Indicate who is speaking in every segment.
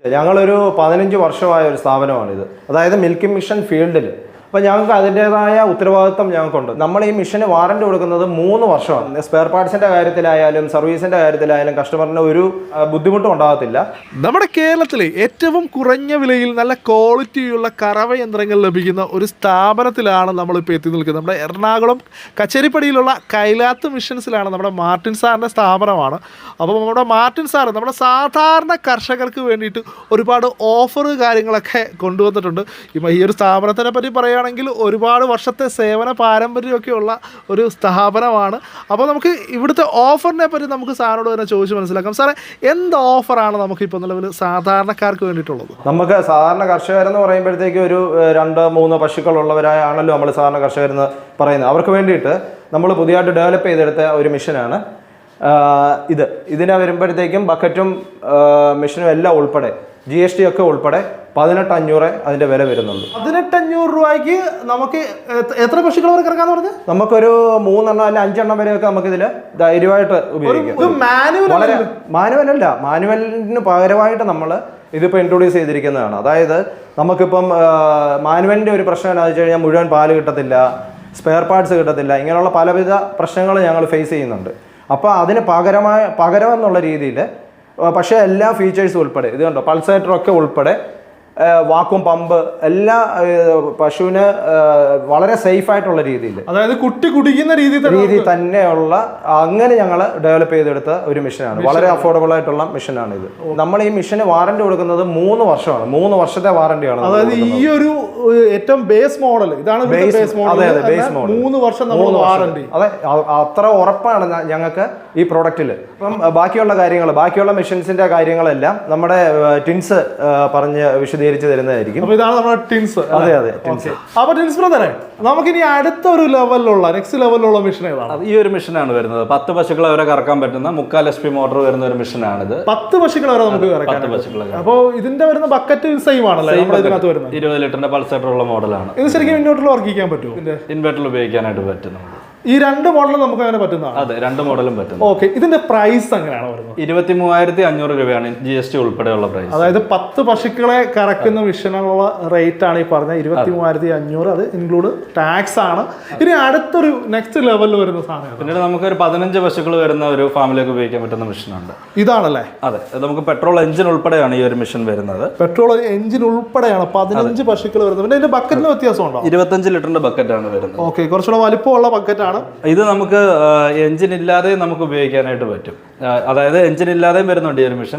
Speaker 1: ഞങ്ങളൊരു 15 വർഷമായ ഒരു സ്ഥാപനമാണിത്. അതായത് മിൽക്കിംഗ് മിഷൻ ഫീൽഡിൽ. അപ്പോൾ ഞങ്ങൾക്ക് അതിൻ്റേതായ ഉത്തരവാദിത്വം ഞങ്ങൾക്കുണ്ട്. നമ്മൾ ഈ മിഷന് വാറൻറ്റി കൊടുക്കുന്നത് 3 വർഷമാണ്. സ്പെയർ പാർട്സിൻ്റെ കാര്യത്തിലായാലും സർവീസിൻ്റെ കാര്യത്തിലായാലും കസ്റ്റമറിന് ഒരു ബുദ്ധിമുട്ടും ഉണ്ടാകത്തില്ല.
Speaker 2: നമ്മുടെ കേരളത്തിലെ ഏറ്റവും കുറഞ്ഞ വിലയിൽ നല്ല ക്വാളിറ്റിയുള്ള കറവ യന്ത്രങ്ങൾ ലഭിക്കുന്ന ഒരു സ്ഥാപനത്തിലാണ് നമ്മളിപ്പോൾ എത്തി നിൽക്കുന്നത്. നമ്മുടെ എറണാകുളം കച്ചേരിപ്പടിയിലുള്ള കൈലാത്ത് മിഷൻസിലാണ് നമ്മുടെ മാർട്ടിൻ സാറിൻ്റെ സ്ഥാപനമാണ്. അപ്പോൾ നമ്മുടെ മാർട്ടിൻ സാറ് നമ്മുടെ സാധാരണ കർഷകർക്ക് വേണ്ടിയിട്ട് ഒരുപാട് ഓഫർ കാര്യങ്ങളൊക്കെ കൊണ്ടുവന്നിട്ടുണ്ട്. ഈ ഒരു സ്ഥാപനത്തിനെ പറ്റി പറയുകയാണെങ്കിൽ ഒരുപാട് വർഷത്തെ സേവന പാരമ്പര്യമൊക്കെയുള്ള ഒരു സ്ഥാപനമാണ്. അപ്പോൾ നമുക്ക് ഇവിടുത്തെ ഓഫറിനെ പറ്റി നമുക്ക് സാറിനോട് തന്നെ ചോദിച്ച് മനസ്സിലാക്കാം. സാറേ, എന്ത് ഓഫറാണ് നമുക്കിപ്പോൾ നിലവിൽ സാധാരണക്കാർക്ക് വേണ്ടിയിട്ടുള്ളത്?
Speaker 1: നമുക്ക് സാധാരണ കർഷകരെന്ന് പറയുമ്പോഴത്തേക്ക് ഒരു 2-3 പശുക്കളുള്ളവരാണല്ലോ നമ്മൾ സാധാരണ കർഷകരെന്ന് പറയുന്നത്. അവർക്ക് വേണ്ടിയിട്ട് നമ്മൾ പുതിയതായിട്ട് ഡെവലപ്പ് ചെയ്തെടുത്ത ഒരു മിഷനാണ് ഇതിനെ വരുമ്പോഴത്തേക്കും ബക്കറ്റും മിഷനും എല്ലാം ഉൾപ്പെടെ GST ഒക്കെ ഉൾപ്പെടെ 18,500 അതിൻ്റെ വില വരുന്നുള്ളൂ.
Speaker 2: 18,500 രൂപയ്ക്ക് നമുക്ക് എത്ര പശുക്കൾ വരെ ഇറക്കാന്ന് പറഞ്ഞത്?
Speaker 1: നമുക്കൊരു 3 എണ്ണം അല്ല 5 എണ്ണം വരെയൊക്കെ നമുക്കിതിൽ ധൈര്യമായിട്ട് ഉപയോഗിക്കാം. മാനുവലല്ല, മാനുവലിന് പകരമായിട്ട് നമ്മൾ ഇതിപ്പോൾ ഇൻട്രൊഡ്യൂസ് ചെയ്തിരിക്കുന്നതാണ്. അതായത് നമുക്കിപ്പം മാനുവലിൻ്റെ ഒരു പ്രശ്നം എന്താണെന്ന് വെച്ച് കഴിഞ്ഞാൽ മുഴുവൻ പാല് കിട്ടത്തില്ല, സ്പെയർ പാർട്സ് കിട്ടത്തില്ല, ഇങ്ങനെയുള്ള പലവിധ പ്രശ്നങ്ങൾ ഞങ്ങൾ ഫേസ് ചെയ്യുന്നുണ്ട്. അപ്പോൾ അതിന് പകരം എന്നുള്ള രീതിയിൽ പക്ഷേ എല്ലാ ഫീച്ചേഴ്സും ഉൾപ്പെടെ ഇത് കണ്ടോ, പൾസേറ്ററൊക്കെ ഉൾപ്പെടെ വാക്വം പമ്പ് എല്ലാ പശുവിന് വളരെ സേഫ് ആയിട്ടുള്ള രീതിയിൽ,
Speaker 2: അതായത് കുട്ടി കുടിക്കുന്ന രീതി
Speaker 1: തന്നെയുള്ള അങ്ങനെ ഞങ്ങൾ ഡെവലപ്പ് ചെയ്തെടുത്ത ഒരു മിഷനാണ്. വളരെ അഫോർഡബിൾ ആയിട്ടുള്ള മിഷനാണ് ഇത്. നമ്മൾ ഈ മിഷന് വാറന്റി കൊടുക്കുന്നത് 3 വർഷമാണ്. 3 വർഷത്തെ വാറന്റിയാണ്.
Speaker 2: അതായത് ഈ ഒരു ഏറ്റവും ബേസ് മോഡൽ ഇതാണ് ബേസ് മോഡൽ.
Speaker 1: അതെ, ബേസ് മോഡൽ
Speaker 2: 3 വർഷം നമ്മൾ വാറന്റി.
Speaker 1: അതെ, അത്ര ഉറപ്പാണ് ഞങ്ങൾക്ക് ഈ പ്രോഡക്റ്റിൽ. അപ്പം ബാക്കിയുള്ള മിഷൻസിന്റെ കാര്യങ്ങളെല്ലാം നമ്മുടെ ടിൻസ് പറഞ്ഞ് വിശദീകരിച്ച് തരുന്നതായിരിക്കും.
Speaker 2: അപ്പോൾ ഇതാണ് നമ്മുടെ ടിൻസ്.
Speaker 1: അതെ, ടിൻസ്.
Speaker 2: അപ്പോൾ ടിൻസ് ബ്രദറെ, നമുക്കിനി അടുത്തൊരു നെക്സ്റ്റ് ലെവലിലുള്ള മിഷൻ ഏതാണ്?
Speaker 3: ഈ ഒരു മിഷനാണ് വരുന്നത്. 10 പശുക്കളെ വരെ കറക്കാൻ പറ്റുന്ന 3/4 HP മോട്ടോർ വരുന്ന ഒരു മിഷനാണിത്.
Speaker 2: 10 പശുക്കളെ വരെ നമുക്ക് കറക്കാം. അപ്പോൾ ഇതിന്റെ വരുന്ന ബക്കറ്റ് സെയിം ആണല്ലേ?
Speaker 3: 20 ലിറ്ററിന്റെ പൾസേറ്റർ ഉള്ള മോഡലാണ്.
Speaker 2: ഇത് ശരിക്കും ഇൻവെർട്ടറിൽ വർക്ക് ചെയ്യാൻ പറ്റുമോ?
Speaker 3: ഇൻവെർട്ടറിൽ ഉപയോഗിക്കാനായിട്ട് പറ്റും.
Speaker 2: ഈ 2 മോഡലും നമുക്ക് അങ്ങനെ പറ്റുന്നതാണ്?
Speaker 3: അതെ, 2 മോഡലും പറ്റും.
Speaker 2: ഓക്കെ, ഇതിന്റെ പ്രൈസ് എങ്ങനെയാണ് വരുന്നത്?
Speaker 3: 23,500 രൂപയാണ് GST ഉൾപ്പെടെയുള്ള പ്രൈസ്.
Speaker 2: അതായത് 10 പശുക്കളെ കറക്കുന്ന മിഷനുള്ള റേറ്റ് ആണ് ഈ പറഞ്ഞ 23,500. അത് ഇൻക്ലൂഡ് ടാക്സ് ആണ്. ഇനി അടുത്തൊരു നെക്സ്റ്റ് ലെവലിൽ വരുന്ന സാധനം
Speaker 3: പിന്നീട് നമുക്ക് ഒരു 15 പശുക്കൾ വരുന്ന ഒരു ഫാമിലേക്ക് ഉപയോഗിക്കാൻ പറ്റുന്ന മിഷനുണ്ട്.
Speaker 2: ഇതാണല്ലേ?
Speaker 3: അതെ, നമുക്ക് പെട്രോൾ എഞ്ചിൻ ഉൾപ്പെടെയാണ് ഈ ഒരു മിഷൻ വരുന്നത്.
Speaker 2: പെട്രോൾ എഞ്ചിൻ ഉൾപ്പെടെയാണ് 15 പശുക്കൾ വരുന്നത്. പിന്നെ ഇതിന്റെ ബക്കറ്റിന് വ്യത്യാസമുണ്ടോ?
Speaker 3: 25 ലിറ്ററിന്റെ ബക്കറ്റാണ് വരുന്നത്.
Speaker 2: ഓക്കെ, കുറച്ചുകൂടെ വലിപ്പമുള്ള ബക്കറ്റാണ്.
Speaker 3: ഇത് നമുക്ക് എഞ്ചിൻ ഇല്ലാതെ നമുക്ക് ഉപയോഗിക്കാനായിട്ട് പറ്റും. അതായത് എഞ്ചിൻ ഇല്ലാതെയും വരുന്നുണ്ട് ഈ ഒരു മിഷൻ.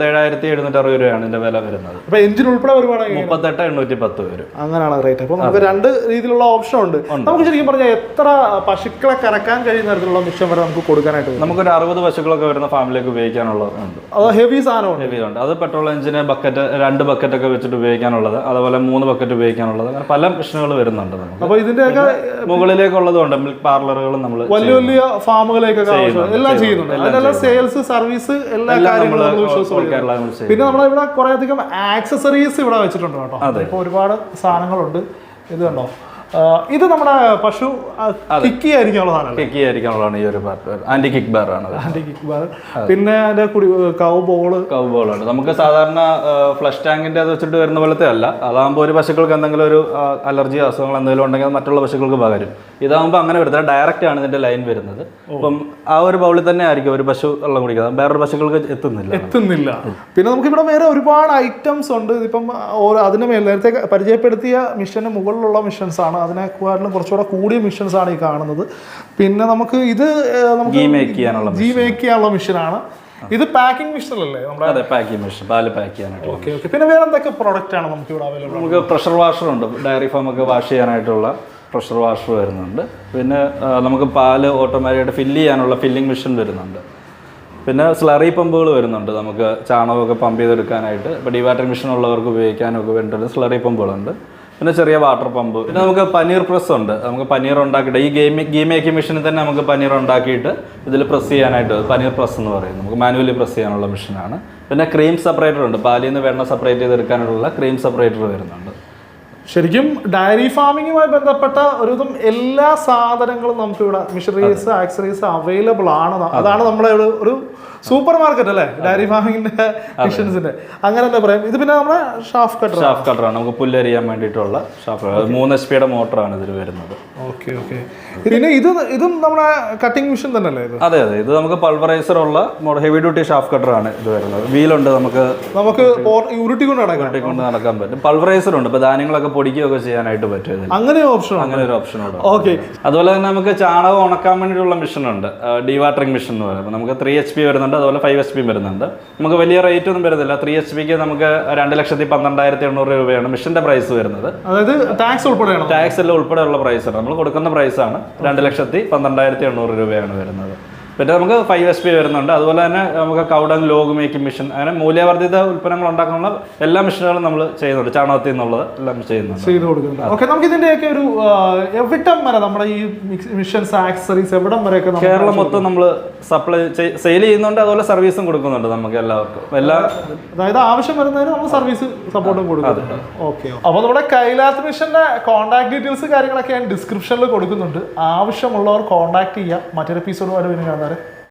Speaker 3: 27,760 രൂപയാണ് ഇതിന്റെ വില വരുന്നത്.
Speaker 2: അപ്പൊ എഞ്ചിൻ ഉൾപ്പെടെ വരുവാണെങ്കിൽ
Speaker 3: 38,810 വരും.
Speaker 2: അങ്ങനെയാണ് റേറ്റ്. അപ്പൊ നമുക്ക് 2 രീതിയിലുള്ള ഓപ്ഷൻ ഉണ്ട്. നമുക്ക് ശരിക്കും പറഞ്ഞാൽ എത്ര പശുക്കളെ കറക്കാൻ കഴിയുന്ന തരത്തിലുള്ള മിഷൻ വരെ നമുക്ക് കൊടുക്കാനായിട്ട്?
Speaker 3: നമുക്കൊരു 60 പശുക്കളൊക്കെ വരുന്ന ഫാമിലേക്ക് ഉപയോഗിക്കാനുള്ളതുണ്ട്.
Speaker 2: അത് ഹെവി സാധനമാണ്.
Speaker 3: ഹെവി ഉണ്ട്. അത് പെട്രോൾ എഞ്ചിന് ബക്കറ്റ് 2 ബക്കറ്റൊക്കെ വെച്ചിട്ട് ഉപയോഗിക്കാനുള്ളത്, അതുപോലെ 3 ബക്കറ്റ് ഉപയോഗിക്കാനുള്ളത്, അങ്ങനെ പല മിഷനുകൾ വരുന്നുണ്ട് നമുക്ക്.
Speaker 2: അപ്പൊ ഇതിന്റെയൊക്കെ
Speaker 3: മുകളിലേക്കുള്ളതുണ്ട്. മിൽക്ക് പാർലറുകളും നമ്മൾ
Speaker 2: വലിയ വലിയ ഫാമുകളിലേക്കൊക്കെ എല്ലാം ചെയ്യുന്നുണ്ട്. അതിനെല്ലാം സെയിൽസ്, സർവീസ്, എല്ലാ കാര്യങ്ങളും. പിന്നെ നമ്മളിവിടെ കുറെ അധികം ആക്സസറീസ് ഇവിടെ വെച്ചിട്ടുണ്ട് കേട്ടോ. ഇപ്പൊ ഒരുപാട് സാധനങ്ങളുണ്ട്. ഇത് കണ്ടോ, ഇത് നമ്മുടെ പശു കിക്കി
Speaker 3: ആയിരിക്കാനുള്ളതാണ്. ഈ ഒരു ആന്റി കിക്ക് ബാർ ആണ്.
Speaker 2: പിന്നെ അതിന്റെ
Speaker 3: കൗബോളാണ്. നമുക്ക് സാധാരണ ഫ്ലഷ് ടാങ്കിന്റെ അത് വെച്ചിട്ട് വരുന്ന പോലത്തെ അല്ല. അതാകുമ്പോൾ ഒരു പശുക്കൾക്ക് എന്തെങ്കിലും ഒരു അലർജി അസുഖങ്ങൾ എന്തെങ്കിലും ഉണ്ടെങ്കിൽ മറ്റുള്ള പശുക്കൾക്ക് പകരും. ഇതാകുമ്പോൾ അങ്ങനെ വരുന്നത് ഡയറക്റ്റ് ആണ് ഇതിന്റെ ലൈൻ വരുന്നത്. അപ്പം ആ ഒരു ബൗളിൽ തന്നെ ആയിരിക്കും ഒരു പശു വെള്ളം കുടിക്കുന്നത്. വേറൊരു പശുക്കൾക്ക് എത്തുന്നില്ല.
Speaker 2: പിന്നെ നമുക്ക് ഇവിടെ വേറെ ഒരുപാട് ഐറ്റംസ് ഉണ്ട്. ഇതിപ്പം അതിന് മേൽ നേരത്തെ പരിചയപ്പെടുത്തിയ മിഷന് മുകളിലുള്ള മിഷൻസ് ആണ്. അതിനെക്കാട്ടിലും കുറച്ചുകൂടെ കൂടിയ മിഷൻസ് ആണ് ഈ കാണുന്നത്. പിന്നെ നമുക്ക് ഇത്
Speaker 3: ഗീ മേക്ക്
Speaker 2: ചെയ്യാനുള്ള മിഷനാണ്. ഇത് പാക്കിംഗ് മിഷൻ അല്ലേ?
Speaker 3: നമ്മുടെ പാക്കിംഗ് മിഷൻ, പാല് പാക്ക് ചെയ്യാനായിട്ട്.
Speaker 2: ഓക്കെ. പിന്നെ വേറെ എന്തൊക്കെ പ്രോഡക്റ്റ് ആണ് നമുക്ക് ഇവിടെ അവൈലബിൾ?
Speaker 3: നമുക്ക് പ്രഷർ വാഷർ ഉണ്ട്. ഡയറി ഫാം ഒക്കെ വാഷ് ചെയ്യാനായിട്ടുള്ള പ്രഷർ വാഷർ വരുന്നുണ്ട്. പിന്നെ നമുക്ക് പാല് ഓട്ടോമാറ്റിക്കായിട്ട് ഫില്ല് ചെയ്യാനുള്ള ഫില്ലിംഗ് മെഷീൻ വരുന്നുണ്ട്. പിന്നെ സ്ലറി പമ്പുകൾ വരുന്നുണ്ട്. നമുക്ക് ചാണകമൊക്കെ പമ്പ് ചെയ്തെടുക്കാനായിട്ട്. ഇപ്പോൾ ഡിവാറ്ററിംഗ് മെഷീൻ ഉള്ളവർക്ക് ഉപയോഗിക്കാനൊക്കെ വേണ്ടിയിട്ട് സ്ലറി പമ്പുകളുണ്ട്. പിന്നെ ചെറിയ വാട്ടർ പമ്പ്. പിന്നെ നമുക്ക് പനീർ പ്രസ് ഉണ്ട്. നമുക്ക് പനീർ ഉണ്ടാക്കിയിട്ട് ഈ ഗീ മേക്കിംഗ് മെഷീനിൽ തന്നെ നമുക്ക് പനീർ ഉണ്ടാക്കിയിട്ട് ഇതിൽ പ്രസ് ചെയ്യാനായിട്ട് പനീർ പ്രസ് എന്ന് പറയും. നമുക്ക് മാനുവലി പ്രസ് ചെയ്യാനുള്ള മെഷീനാണ്. പിന്നെ ക്രീം സെപ്പറേറ്റർ ഉണ്ട്. പാലിൽ നിന്ന് വെണ്ണ സെപ്പറേറ്റ് ചെയ്തെടുക്കാനുള്ള ക്രീം സെപ്പറേറ്റർ വരുന്നുണ്ട്.
Speaker 2: ശരിക്കും ഡയറി ഫാമിങ്ങുമായി ബന്ധപ്പെട്ട ഒരുവിധം എല്ലാ സാധനങ്ങളും നമുക്ക് ഇവിടെ മിഷനറീസ് ആക്സറീസ് അവൈലബിൾ ആണ്. അതാണ് നമ്മുടെ ഒരു സൂപ്പർ മാർക്കറ്റ് അല്ലേ ഡയറി ഫാമിങ്ങിന്റെ മിഷൻസിന്റെ, അങ്ങനെ എന്താ പറയാം. ഇത് പിന്നെ നമ്മുടെ ഷാഫ് കട്ടറാണ്, നമുക്ക് പുല്ലരിയാൻ വേണ്ടിയിട്ടുള്ള ഷാഫ് 3 HP മോട്ടറാണ് ഇതിൽ വരുന്നത്. Okay okay. പിന്നെ ഇതും നമ്മുടെ കട്ടിംഗ് മെഷീൻ തന്നെ അല്ലേ ഇത്?
Speaker 3: അതെ അതെ, ഇത് നമുക്ക് പൾവറൈസർ ഉള്ള ഹെവി ഡ്യൂട്ടി ഷാഫ് കട്ടറാണ് ഇത് വരുന്നത്. വീലുണ്ട്, നമുക്ക്
Speaker 2: ഉരുട്ടിക്കൊണ്ട്
Speaker 3: നടക്കാൻ പറ്റും. പൾവറൈസർ ഉണ്ട്, ഇപ്പൊ ധാന്യങ്ങളൊക്കെ പൊടിക്കുകയൊക്കെ ചെയ്യാനായിട്ട് പറ്റും.
Speaker 2: അങ്ങനെ ഓപ്ഷൻ,
Speaker 3: അങ്ങനെ ഒരു ഓപ്ഷൻ ഉണ്ട്.
Speaker 2: ഓക്കെ.
Speaker 3: അതുപോലെ തന്നെ നമുക്ക് ചാണകം ഉണക്കാൻ വേണ്ടിയിട്ടുള്ള മെഷീൻ ഉണ്ട്, ഡീവാട്ടറിംഗ് മെഷീൻ എന്ന് പറയുന്നത്. നമുക്ക് 3 HP വരുന്നുണ്ട്, അതുപോലെ 5 HP വരുന്നുണ്ട്. നമുക്ക് വലിയ റേറ്റ് ഒന്നും വരുന്നില്ല. 3 HPക്ക് നമുക്ക് 2,12,800 രൂപയാണ് മെഷീന്റെ പ്രൈസ് വരുന്നത്.
Speaker 2: അതായത് ടാക്സ് ഉൾപ്പെടെയാണ്,
Speaker 3: ടാക്സ് എല്ലാം ഉൾപ്പെടെയുള്ള പ്രൈസാണ്. നമ്മൾ കൊടുക്കുന്ന പ്രൈസാണ് 2,12,800 രൂപയാണ് വരുന്നത്. പിന്നെ നമുക്ക് 5 HP വരുന്നുണ്ട്. അതുപോലെ തന്നെ നമുക്ക് കൗഡൻ ലോഗ് മേക്കിംഗ് മെഷീൻ, അങ്ങനെ മൂല്യവർദ്ധിത ഉൽപ്പന്നങ്ങൾ ഉണ്ടാക്കാനുള്ള എല്ലാ മെഷീനുകളും നമ്മൾ ചെയ്യുന്നുണ്ട്. ചാണകത്തിൽ നിന്നുള്ളത് എല്ലാം ചെയ്ത്
Speaker 2: കൊടുക്കുന്നുണ്ട്. ഓക്കെ, നമുക്ക് ഇതിന്റെയൊക്കെ ഒരു എവിടം വരെ നമ്മുടെ ഈ മിഷൻസ് ആക്സസറീസ് എവിടം വരെയൊക്കെ
Speaker 3: കേരളം മൊത്തം നമ്മൾ സപ്ലൈ സെയിൽ ചെയ്യുന്നുണ്ട്. അതുപോലെ സർവീസും കൊടുക്കുന്നുണ്ട് നമുക്ക് എല്ലാവർക്കും.
Speaker 2: അതായത് ആവശ്യം വരുന്നതിന് നമ്മൾ സർവീസ് സപ്പോർട്ടും കൊടുക്കുന്നുണ്ട്. ഓക്കെ. അപ്പോൾ നമ്മുടെ കൈലാത്ത് മിഷന്റെ കോൺടാക്ട് ഡീറ്റെയിൽസ് കാര്യങ്ങളൊക്കെ ഞാൻ ഡിസ്ക്രിപ്ഷനിൽ കൊടുക്കുന്നുണ്ട്. ആവശ്യമുള്ളവർ കോൺടാക്ട് ചെയ്യാം. മറ്റൊരു എപ്പിസോഡുമായിട്ട് പിന്നെ കാണാറ്.